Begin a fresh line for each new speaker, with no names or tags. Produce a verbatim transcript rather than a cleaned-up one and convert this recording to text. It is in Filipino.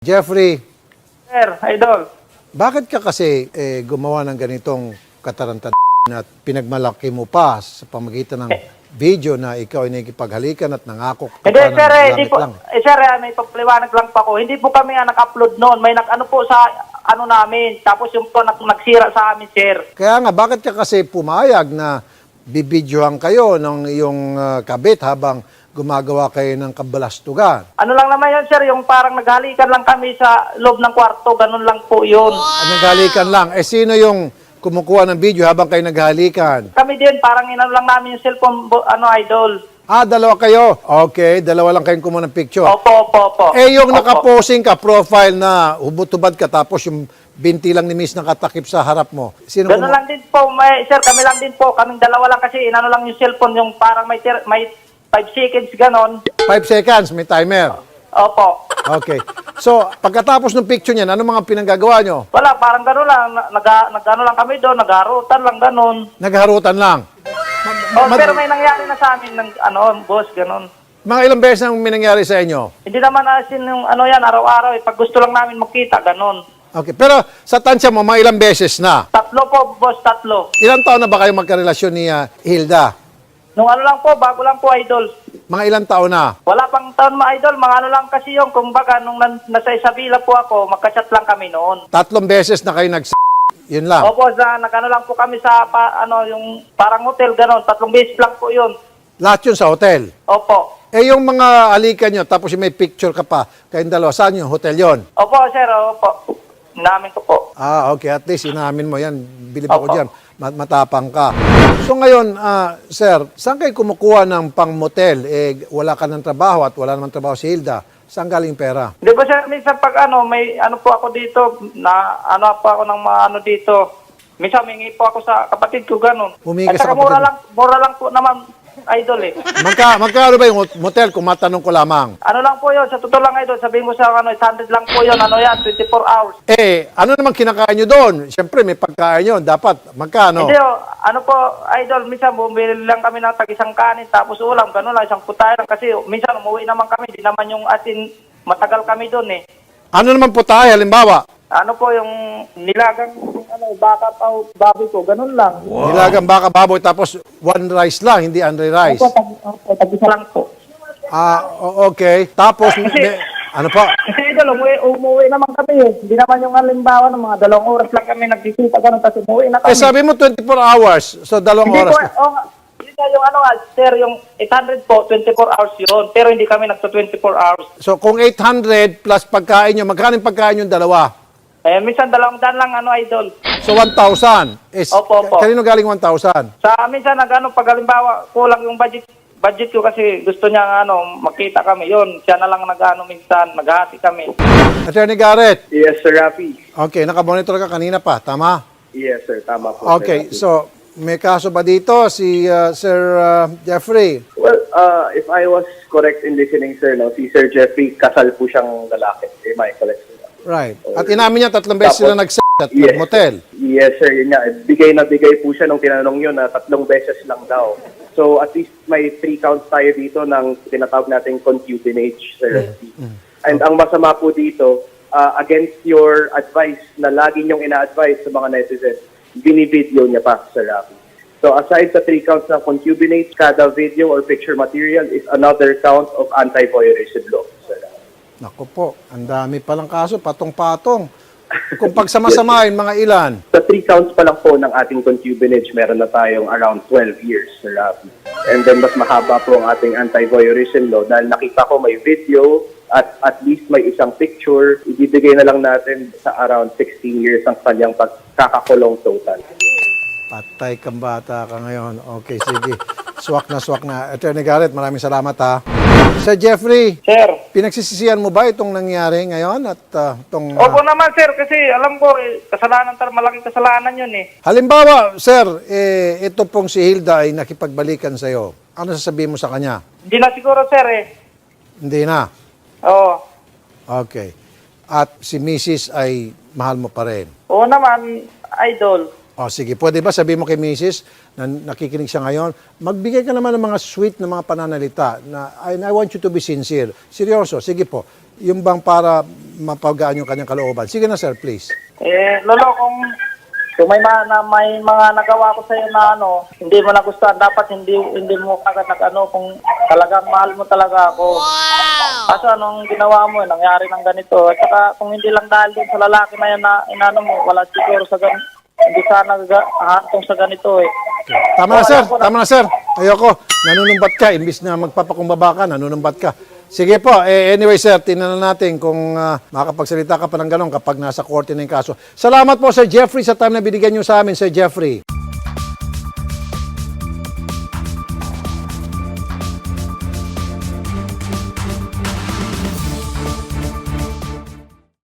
Jeffrey,
Sir, idol.
bakit ka kasi eh, gumawa ng ganitong katarantad at pinagmalaki mo pa sa pamagitan ng video na ikaw ay nakikipaghalikan at nangako ka
Hindi,
pa ng
sir, eh, hindi
langit
po,
lang?
eh, sir, eh, may pagliwanag lang pa ko. Hindi po kami nga nag-upload noon. May nag-ano po sa ano namin. Tapos yung po nag nagsira sa amin, sir.
Kaya nga, bakit ka kasi pumayag na bibidyohan kayo ng iyong uh, kabit habang gumagawa kayo ng kabalastugan?
Ano lang naman yun, sir, yung parang naghalikan lang kami sa loob ng kwarto. Ganun lang po yun.
Wow. Naghalikan lang. Eh, sino yung kumukuha ng video habang kayo naghalikan?
Kami din, parang inano lang namin yung cellphone, ano, idol.
Ah, dalawa kayo. Okay, dalawa lang kayong kumuha ng picture.
Opo, opo, opo.
Eh, yung
Opo.
nakaposing ka, profile na hubot-tubad ka, tapos yung binti lang ni Miss nakatakip sa harap mo. Sino
Ganun
kumu-
lang din po, may, sir, kami lang din po. Kaming dalawa lang kasi inano lang yung cellphone, yung parang may ter- may five seconds, ganon.
Five seconds, may timer.
Opo.
Okay. So, pagkatapos ng picture niyan, ano mga pinanggagawa nyo?
Wala, parang gano'n lang. Nag, nag, ano lang kami doon, nagharutan lang gano'n.
Nagharutan lang.
Oh, pero may nangyari na sa amin ng ano, boss, gano'n.
Mga ilang beses nang may nangyari sa inyo?
Hindi naman asin yung ano yan, araw-araw. Eh. Pag gusto lang namin magkita, gano'n.
Okay. Pero sa tansya mo, mga ilang beses na.
Tatlo po, boss, tatlo.
Ilang taon na ba kayo magkarelasyon ni uh, Hilda?
Nung ano lang po, bago lang po, idol.
Mga ilang taon na?
Wala pang taon ma idol, mga ano lang kasi yung, kumbaga, nung nan, nasa Isabela po ako, magka-chat lang kami noon.
Tatlong beses na kayo nags... Yun lang.
Opo, sa, nag-ano lang po kami sa, pa, ano, yung parang hotel, gano'n. Tatlong beses lang po yun.
Lahat yun sa hotel.
Opo.
Eh, yung mga alikan nyo, tapos yung may picture ka pa, kayong dalawa, saan yung hotel yon?
Opo, sir, opo. Namin ko po.
Ah, okay. At least inamin mo yan. Bilib ako
Opo.
dyan. Mat- Matapang ka. So ngayon, ah, sir, saan kayo kumukuha ng pang-motel? Eh, wala ka ng trabaho at wala naman trabaho si Hilda. Saan galing pera?
Di ba sir, minsan pag ano, may ano po ako dito, na ano po ako ng mga ano dito, minsan mingi po ako sa kapatid ko, ganun.
Humingi
At
ka sa
saka mura
kapatid
lang, mura lang po naman, idol eh.
Magka, magkano ba yung motel kung matanong ko lamang?
Ano lang po yun, sa totoo lang idol, sabihin mo sa ano, one hundred lang po yun, ano yan, twenty-four hours.
Eh, ano naman kinakain nyo doon? Siyempre, may pagkain yun. Dapat, magkano?
Hindi oh, ano po, idol, minsan bumili lang kami ng tag-isang kanin, tapos ulam, ganun lang, isang putay lang, kasi minsan umuwi naman kami, di naman yung atin, matagal kami doon eh.
Ano naman po tayo, halimbawa?
Ano po yung nilagang ano baka pa baboy ko, ganun lang.
Nilagang baka baboy, tapos one rice lang, hindi andre rice.
Opo, tag, opo, tag-isa lang po.
Ah, o- okay. Tapos, may- ano po?
Kasi idol, umuwi, umuwi naman kami eh. Hindi naman yung halimbawa ng mga dalawang oras lang kami nagkikita ganun, tapos umuwi na
Eh,
kami.
sabi mo twenty-four hours. So, dalawang
Hindi
oras
po,
na.
oh, hindi na yung ano nga, sir, yung eight hundred po, twenty-four hours yun. Pero hindi kami nagto twenty-four hours.
So, kung eight hundred plus pagkain nyo, magkano yung pagkain yung dalawa?
Eh, minsan dalawang daan lang, ano, idol.
So, one thousand. Is,
Opo, opo.
Kanino galing one thousand?
Sa minsan, nag, ano, pag halimbawa, kulang yung budget, budget ko kasi gusto niya, ano, makita kami. Yun, siya na lang nag-ano minsan, naghati kami.
Attorney Garrett.
Yes, Sir Rafi.
Okay, nakamonitor ka kanina pa, tama?
Yes, sir. Tama po.
Okay,
Sir Rafi.
so, may kaso ba dito si uh, Sir uh, Jeffrey?
Well, uh, if I was correct in listening, sir, no, si Sir Jeffrey, kasal po siyang lalaki. Am I correct, sir?
Right. At inamin niya tatlong beses sila
Tapos-
nag at
Yes.
motel.
Yes, sir. Yun nga. Bigay na bigay po siya nung tinanong yun na tatlong beses lang daw. So, at least may three counts tayo dito ng tinatawag nating concubinage, Sir Rafi. And ang masama po dito, uh, against your advice na lagi niyong ina-advise sa mga netizens, binivideo niya pa, Sir Rafi. So, aside sa three counts ng concubinage, kada video or picture material is another count of anti-voyeurism law, Sir Rafi.
Naku po, ang dami palang kaso, patong-patong. Kung pagsamasamahin, mga ilan?
Sa three counts pa lang po ng ating concubinage, meron na tayong around twelve years, Sir Rafi. And then mas mahaba po ang ating anti-voyeurism law dahil nakita ko may video at at least may isang picture, ibibigay na lang natin sa around sixteen years ang kanyang pagkakakulong total.
Patay kang bata ka ngayon. Okay, sige. Swak na swak na. Attorney Garrett, maraming salamat ha. Sir Jeffrey,
Sir.
pinagsisisihan mo ba itong nangyari ngayon at uh, itong... uh,
Opo naman, sir, kasi alam ko, eh, kasalanan, tar, malaking kasalanan yun eh.
halimbawa, sir, eh, ito pong si Hilda ay nakipagbalikan sa'yo. Ano sasabihin mo sa kanya?
Hindi na siguro, sir eh.
Hindi na.
Oo.
Okay. At si Missus ay mahal mo pa rin.
Oo naman, idol.
O sige, pwede ba sabihin mo kay Missus na nakikinig siya ngayon, magbigay ka naman ng mga sweet na mga pananalita na and I want you to be sincere. Seryoso, sige po. yung bang para mapagaan yung kanyang kalooban. Sige na sir, please.
Eh, Lolo, kung, kung may, ma, na, may mga nagawa ko sa'yo na ano, hindi mo nagustuhan, dapat hindi hindi mo kagad nag-ano, kung talagang mahal mo talaga ako. Kaso anong ginawa mo, nangyari ng ganito. At saka kung hindi lang dahil din sa lalaki na yan na inano mo, wala siguro sa ganito. Hindi sana hantong sa ganito eh.
Tama na
O,
sir,
alam ko na-
tama na sir. Ayoko, nanunumbat ka, imbis na magpapakumbaba ka, nanunumbat ka. Sige po, eh, anyway sir, tingnan na natin kung uh, makakapagsalita ka pa ng gano'n kapag nasa korte na yung kaso. Salamat po Sir Jeffrey sa time na binigyan nyo sa amin, Sir Jeffrey.